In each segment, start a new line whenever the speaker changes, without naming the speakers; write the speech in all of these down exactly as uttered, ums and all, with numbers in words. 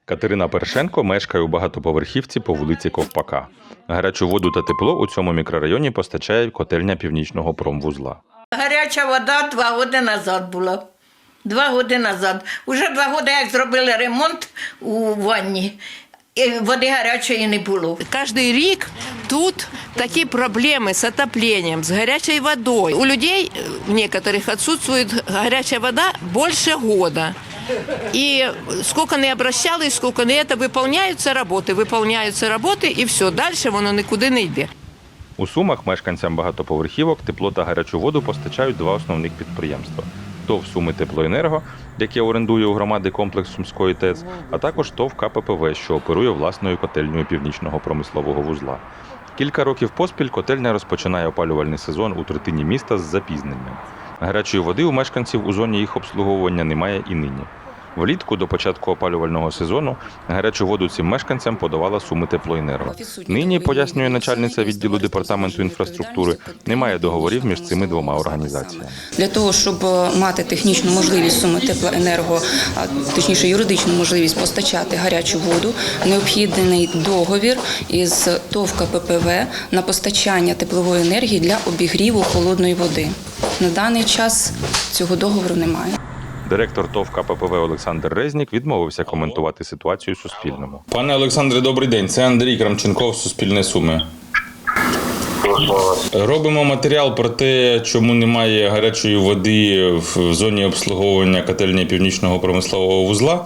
Катерина Першенко мешкає у багатоповерхівці по вулиці Ковпака. Гарячу воду та тепло у цьому мікрорайоні постачає котельня Північного промвузла.
Гаряча вода два роки назад була. Два роки назад. Уже два роки, як зробили ремонт у ванні, і води гарячої не було.
Каждый рік тут такі проблеми з отопленням, з гарячою водою. У людей в некоторых отсутствует гаряча вода більше года. І скільки не обращались, скільки не це, виконуються роботи, виконуються роботи і все, далі воно нікуди не йде.
У Сумах мешканцям багатоповерхівок тепло та гарячу воду постачають два основних підприємства. ТОВ «Суми Теплоенерго», яке орендує у громади комплекс Сумської ТЕЦ, а також ТОВ «ка пе пе ве», що оперує власною котельнею Північного промислового вузла. Кілька років поспіль котельня розпочинає опалювальний сезон у третині міста з запізненням. Гарячої води у мешканців у зоні їх обслуговування немає і нині. Влітку до початку опалювального сезону гарячу воду цим мешканцям подавала Суми Теплоенерго. Нині, пояснює начальниця відділу департаменту інфраструктури, немає договорів між цими двома організаціями.
Для того, щоб мати технічну можливість Суми Теплоенерго, точніше юридичну можливість постачати гарячу воду, необхідний договір із ТОВ «ка пе пе ве» на постачання теплової енергії для обігріву холодної води. На даний час цього договору немає.
Директор ТОВ «ка пе пе ве» Олександр Резнік відмовився коментувати ситуацію Суспільному.
Пане Олександре, добрий день. Це Андрій Крамченков, Суспільне Суми. Робимо матеріал про те, чому немає гарячої води в зоні обслуговування котельні Північного промислового вузла.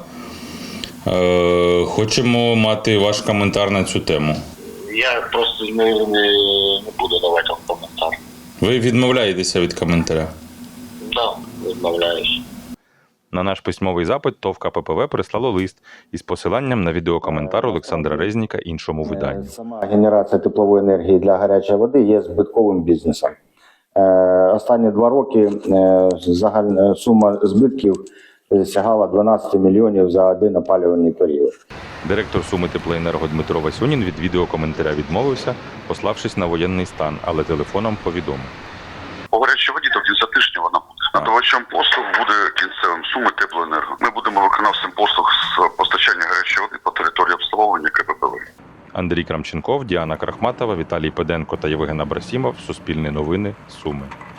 Хочемо мати ваш коментар на цю тему.
Я просто не, не, не буду давати вам коментар.
Ви відмовляєтеся від коментаря?
Так, да, відмовляюсь.
На наш письмовий запит ТОВ «ка пе пе ве» прислало лист із посиланням на відеокоментар Олександра Резніка іншому виданню.
Сама генерація теплової енергії для гарячої води є збитковим бізнесом. Останні два роки загальна сума збитків сягала дванадцять мільйонів за один опалювальний період.
Директор Суми Теплоенерго Дмитро Васюнін від відеокоментаря відмовився, пославшись на воєнний стан, але телефоном повідомив.
По гарячій воді до кінця тижня вона буде. Надавачем послуг буде кінцевим Суми Теплоенерго. Ми будемо виконавцем послуг з постачання гарячої води по території обслуговування ка пе пе ве.
Андрій Крамченков, Діана Крахматова, Віталій Педенко та Євген Абрасімов. Суспільне новини. Суми.